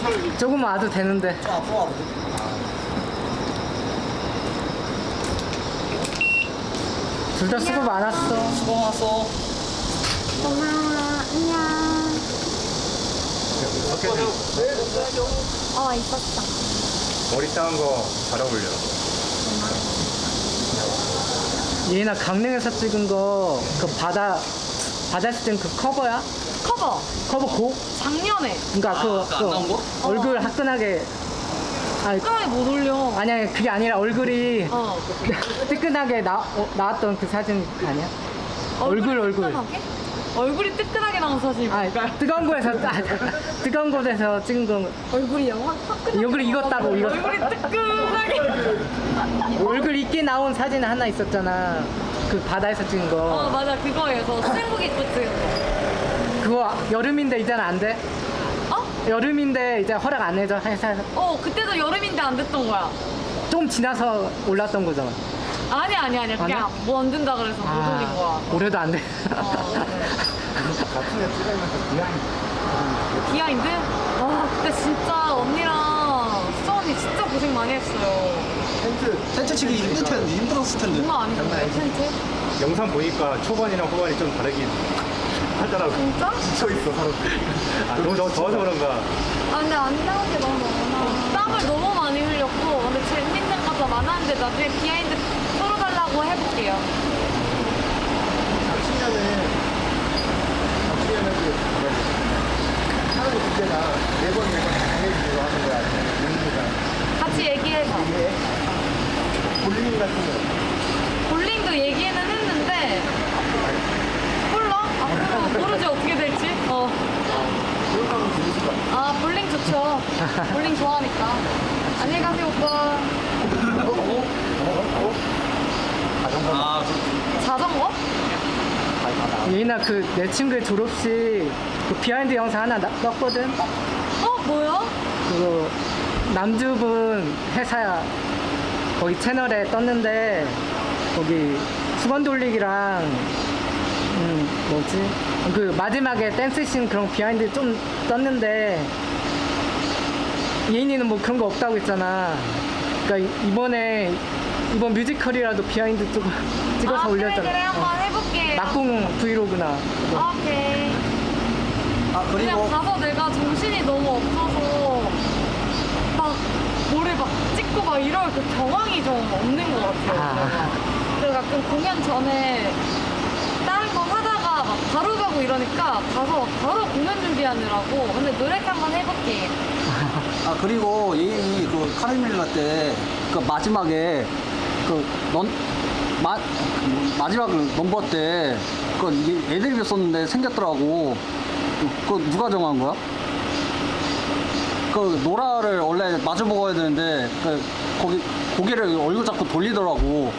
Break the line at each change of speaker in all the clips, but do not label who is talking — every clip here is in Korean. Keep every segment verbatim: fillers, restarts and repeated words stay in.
조금 와도 되는데.
좀 앞으로 와도 돼.
둘 다 수고 많았어.
수고 많았어.
고마워. 안녕. 어, 있었어.
머리 따은 거 잘 어울려.
예인아 강릉에서 찍은 거 그 바다 바다 찍은 그 커버야?
커버
커버 곡?
작년에
그러니까 그,
아, 그거 안 나온 거?
얼굴 화끈하게. 아니
끝까지 못 올려.
아니 아니 그게 아니라 얼굴이
어.
뜨끈하게 나, 어, 나왔던 그 사진 아니야? 얼굴, 얼굴.
뜨끈하게? 얼굴이 뜨끈하게 나온 사진이
아
뭘까요?
뜨거운 곳에서 아, 뜨거운 곳에서 찍은 거.
얼굴이요? 확 화끈하게.
얼굴 익었다고 이거.
얼굴이 뜨끈하게.
얼굴 있게 나온 사진 하나 있었잖아. 그 바다에서 찍은
어
거.
맞아 그거예요. 저 수영복 입고 찍은 거.
그거 여름인데 이제는 안 돼?
어?
여름인데 이제 허락 안 해줘 회사에서.
어 그때도 여름인데 안 됐던 거야.
좀 지나서 올랐던 거잖아.
아니 아니 아니 그냥
아니야?
뭐 안 된다 그래서 못 올린 거야.
올해도 안 돼.
어, 네.
같은 애 찍으면서 비하인드.
비하인드? 와 그때 진짜 언니랑 수정 언니 진짜 고생 많이 했어요.
텐트.
텐트 치기 힘들 텐데, 힘들었을 텐데.
장난 아니던데 텐트?
영상 보니까 초반이랑 후반이 좀 다르긴 하더라고.
진짜?
지쳐있어, 서로. 아, 너무 더- 더워서 그런가.
아, 근데 안 나온 게 너무 많아.
땀을 너무 많이 흘렸고 근데 재밌는 것도 많았는데 나중에 비하인드 풀어달라고 해볼게요.
작년에, 작년에 그, 뭐라 하는 주제가 매번 매번 당해주기로 하는 거야. 용기가.
같이 얘기해봐.
이게 볼링 같은 거.
볼링도 얘기는 했는데 몰라? 앞으로 모르지 어떻게 될지. 어.
그런 거 하면 재밌을 것 같아.
아 볼링 좋죠. 볼링 좋아하니까. 안녕히 가세요 오빠.
아,
자전거?
예인아 그 내 친구의 졸업식 그 비하인드 영상 하나 나, 떴거든.
어 뭐야?
그거 남주분 회사 거기 채널에 떴는데 거기 수건 돌리기랑 음 뭐지 그 마지막에 댄스씬 그런 비하인드 좀 떴는데 예인이는 뭐 그런 거 없다고 했잖아. 그러니까 이- 이번에 이번 뮤지컬이라도 비하인드 좀 찍어서
아 그래
올렸잖아.
그래 한번
어.
해볼게.
막공 브이로그나.
오케이.
아,
그냥
그리고.
가서 내가 정신이 너무 없어서 막 뭐를 막 찍고 막 이럴 그 경황이 좀 없는 것 같아요.
아.
그래서 가끔 공연 전에 다른 거 하다가 막 바로 가고 이러니까 가서 바로 공연 준비하느라고. 근데 노래 한번 해볼게.
아, 그리고 예인이 그 카르밀라 때, 그 마지막에, 그, 넌, 마, 그 마지막 넘버 때, 그 이게 애드립이 썼는데 생겼더라고. 그거 누가 정한 거야? 그 노라를 원래 마주 먹어야 되는데, 그, 거기, 고개를 얼굴 잡고 돌리더라고.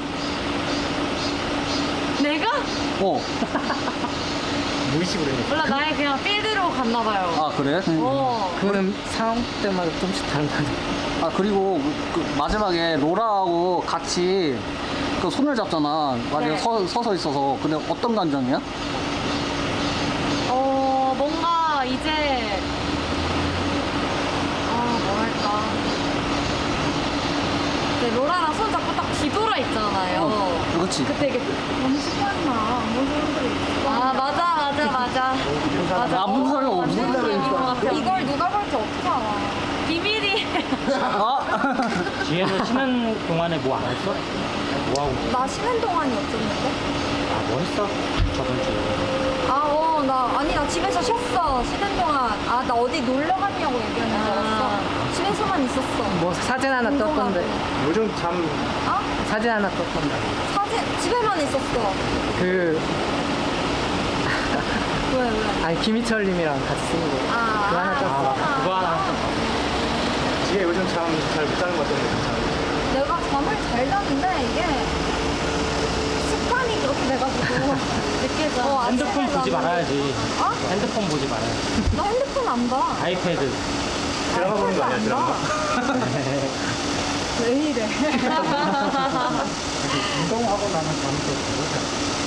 내가?
어.
무의식으로 했네.
몰라 나의 그냥 필드로 갔나봐요.
아, 그래?
어.
그거는 상황 때마다 좀씩 다른 거 같아.
아, 그리고 그, 그 마지막에 로라하고 같이 그 손을 잡잖아. 만약에
네.
서, 서서 있어서. 근데 어떤 감정이야?
어 뭔가 이제 아 뭐랄까 이제 로라랑 손 잡고 딱 뒤돌아 있잖아요.
어, 그렇지.
그때 이게
너무 시끄럽나. 아무 사람들이 있어.
아 맞아 맞아 맞아 맞아.
아무 사람이
어,
없는
맞는
사람이
얘기인 것 같아.
이걸 누가 볼지 어떻게 알아?
비밀이.
아,
뒤에서 쉬는 동안에 뭐 안 했어? 뭐 하고?
나 쉬는 동안이 없었는데?
아, 뭐 했어? 저번 주에.
아, 어, 나, 아니, 나 집에서 쉬었어. 쉬는 동안. 아, 나 어디 놀러 갔냐고 얘기하는 줄 알았어. 집에서만 있었어.
뭐 사진 하나
운동하고.
떴던데.
요즘 참
어?
사진 하나 떴던데.
사진, 집에만 있었어.
그
왜, 왜?
아니 김희철님이랑 같이 쓴 거.
아,
그거 하나 떴어.
아,
그거 하나.
지혜 요즘 참 잘 못 자는 것 같던데. 참.
내가 잠을 잘 자는데, 이게 습관이 그렇게 돼가지고. 느껴져. 어, 아침에
핸드폰 보지
나는-
말아야지.
어?
핸드폰 보지 말아야지.
나 핸드폰 안 봐.
아이패드.
드라마 보는 거 아니야,
안
드라마?
봐. 왜 이래?
운동하고 나면 잠이 또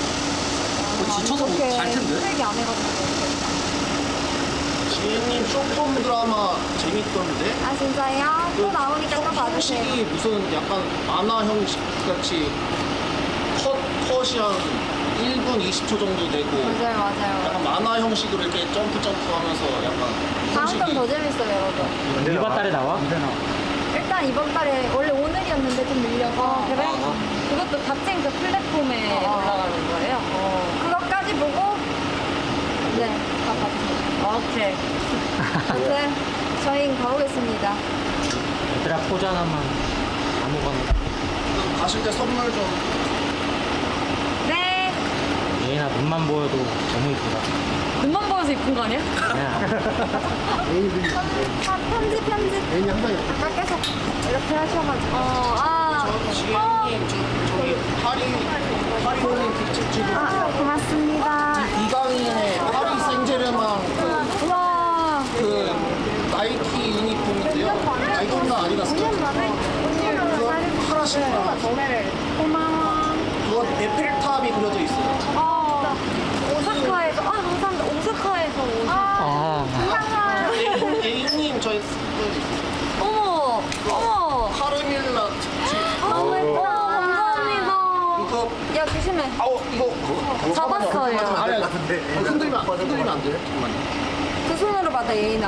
뭐 지쳐서
그렇게
잘 텐데?
힘들게 안 해가지고.
지혜님 좀
일본 드라마 재밌던데?
아 진짜요? 또 나오니까 또 봐주세요.
형식이 무슨 약간 만화 형식 같이 컷, 컷이 한 일 분 이십 초 정도 되고
맞아요 맞아요.
약간 만화 형식으로 이렇게 점프 점프 하면서 약간
다음 건
형식이
더 재밌어요 여러분.
이번 달에 나와?
일단 이번 달에 원래 오늘이었는데 좀 밀려서
어, 그래? 그것도 같은 그 플랫폼에
어.
올라가는 거예요? 어.
그것까지 보고 네, 다 봤어요.
오케이.
아무튼 저희 가보겠습니다.
얘들아 포즈 하나만 아무거나.
가실 때 선물 좀
네.
예인아 눈만 보여도 너무 이쁘다.
눈만 보여서 이쁜 거 아니야?
야,
아, 편집 편집.
애인이 항상 이렇게
아까 계속 이렇게 하셔가지고. 어, 아.
저 지혜님 저, 저기 파리 파리올림 픽집 지금
아, 고맙습니다.
이강인의 파리 생제르맹 그,
우와.
그 나이키 유니폼인데요. 나이키가 아디다스
오 년 만에
그거 하나 신고
고마워.
그거 에펠탑이 그려져 있어요.
어. 오사카에서 아 감사합니다. 오사카에서 오사.
아,
고마워요.
A님 저희 그
어머 어머.
카르밀라 집
너무 예뻐. 감사합니다.
이거
야 조심해.
아우 이거
잡았어요.
아니 아니 흔들리면 안- 흔들리면 안 돼요. 잠깐만요.
두 손으로 받아 예인아.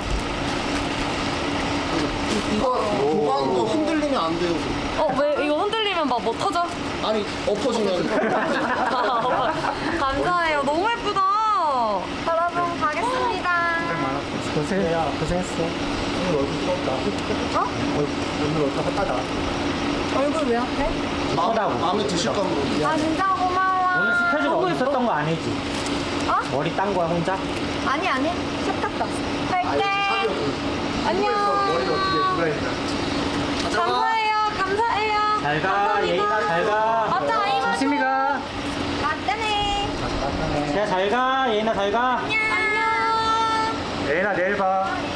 이거 보관 거 흔들리면 안 돼요.
어, 왜 이거 흔들리면 막 뭐 터져?
아니 엎어지면
감사해요. 너무 예쁘다.
여러분 가겠습니다.
고생, 고생했어.
오늘 얼굴 부럽다.
어?
오늘 얼굴 핫하다.
얼굴 왜 앞에?
마음, 마음에 드실까 모르겠네.
아 진짜 고마워.
오늘 스케줄 어디 있었던 거 아니지?
어?
머리 딴 거야 혼자?
아니 아니 샵 갔다 왔어. 갈게.
안녕. 머리를 어떻게 누가 했나?
감사해요. 감사해요.
잘 가, 예인아 잘 가.
맞다 아이가
조심히 가.
맞다네.
야, 잘 가, 예인아 잘 가.
안녕.
예인아 내일 봐.